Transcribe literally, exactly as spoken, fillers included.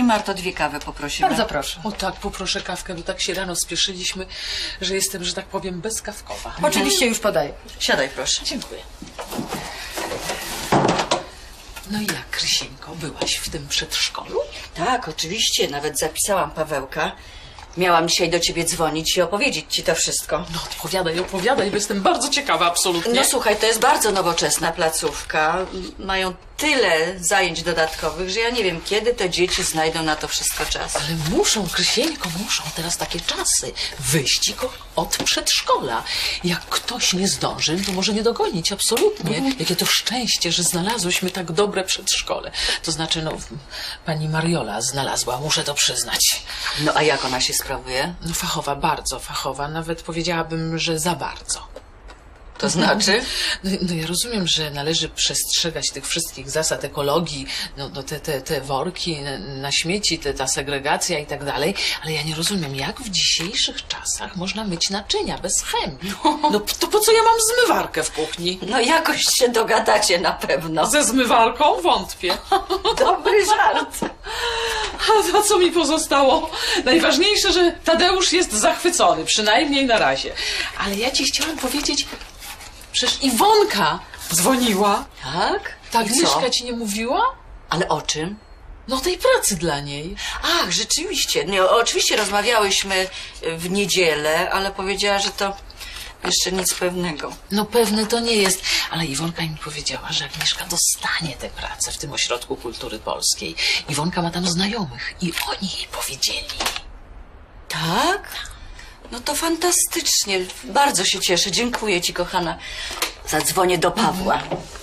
Marto, dwie kawy poprosimy. Bardzo proszę. O tak, poproszę kawkę, bo tak się rano spieszyliśmy, że jestem, że tak powiem, bezkawkowa. Oczywiście już podaję. Siadaj, proszę. Dziękuję. No i jak, Krysieńko, byłaś w tym przedszkolu? Tak, oczywiście. Nawet zapisałam Pawełka. Miałam dzisiaj do ciebie dzwonić i opowiedzieć ci to wszystko. No opowiadaj, opowiadaj, bo jestem bardzo ciekawa, absolutnie. No słuchaj, to jest bardzo nowoczesna placówka. Mają tyle zajęć dodatkowych, że ja nie wiem, kiedy te dzieci znajdą na to wszystko czas. Ale muszą, Krysieńko, muszą teraz takie czasy. Wyścig od przedszkola. Jak ktoś nie zdąży, to może nie dogonić, absolutnie. Jakie to szczęście, że znalazłyśmy tak dobre przedszkole. To znaczy, no, pani Mariola znalazła, muszę to przyznać. No a jak ona się sprawuje? No fachowa, bardzo fachowa, nawet powiedziałabym, że za bardzo. To znaczy? No, no ja rozumiem, że należy przestrzegać tych wszystkich zasad ekologii, no, no te, te, te worki na, na śmieci, te, ta segregacja i tak dalej, ale ja nie rozumiem, jak w dzisiejszych czasach można myć naczynia bez chemii. No to po co ja mam zmywarkę w kuchni? No jakoś się dogadacie na pewno. Ze zmywarką? Wątpię. Dobry żart. A co mi pozostało? Najważniejsze, że Tadeusz jest zachwycony, przynajmniej na razie. Ale ja ci chciałam powiedzieć, przecież Iwonka dzwoniła. Tak? Tak, I co? Agnieszka ci nie mówiła? Ale o czym? No tej pracy dla niej. Ach, rzeczywiście. Nie, oczywiście rozmawiałyśmy w niedzielę, ale powiedziała, że to jeszcze nic pewnego. No pewne to nie jest, ale Iwonka mi powiedziała, że Agnieszka dostanie tę pracę w tym Ośrodku Kultury Polskiej. Iwonka ma tam znajomych i oni jej powiedzieli. Tak? No to fantastycznie. Bardzo się cieszę. Dziękuję ci, kochana. Zadzwonię do Pawła.